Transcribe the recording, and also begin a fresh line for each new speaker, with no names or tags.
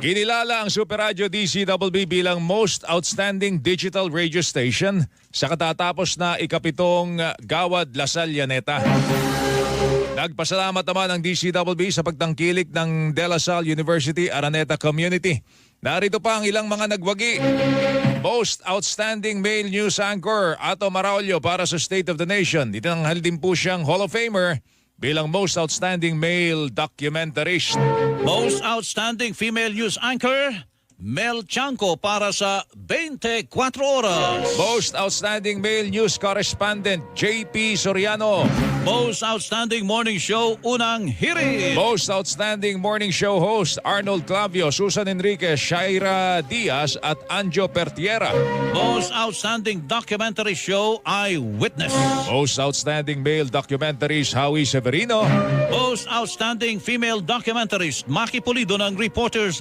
Kinilala ang Super Radio DCWB bilang Most Outstanding Digital Radio Station sa katatapos na ikapitong Gawad Lasal Llaneta. Nagpasalamat naman ang DCWB sa pagtangkilik ng De La Salle University Araneta Community. Narito pa ang ilang mga nagwagi. Most Outstanding Male News Anchor, Ato Maraulio para sa State of the Nation. Itinanghal din po siyang Hall of Famer bilang Most Outstanding Male Documentarist.
Most Outstanding Female News Anchor, Mel Chanco para sa 24 Oras.
Most Outstanding Male News Correspondent, JP Soriano.
Most Outstanding Morning Show, Unang Hirit.
Most Outstanding Morning Show Host, Arnold Clavio, Susan Enriquez, Shaira Diaz at Anjo Pertiera.
Most Outstanding Documentary Show, Eyewitness.
Most Outstanding Male Documentarist, Howie Severino.
Most Outstanding Female Documentarist, Maki Pulido ng Reporters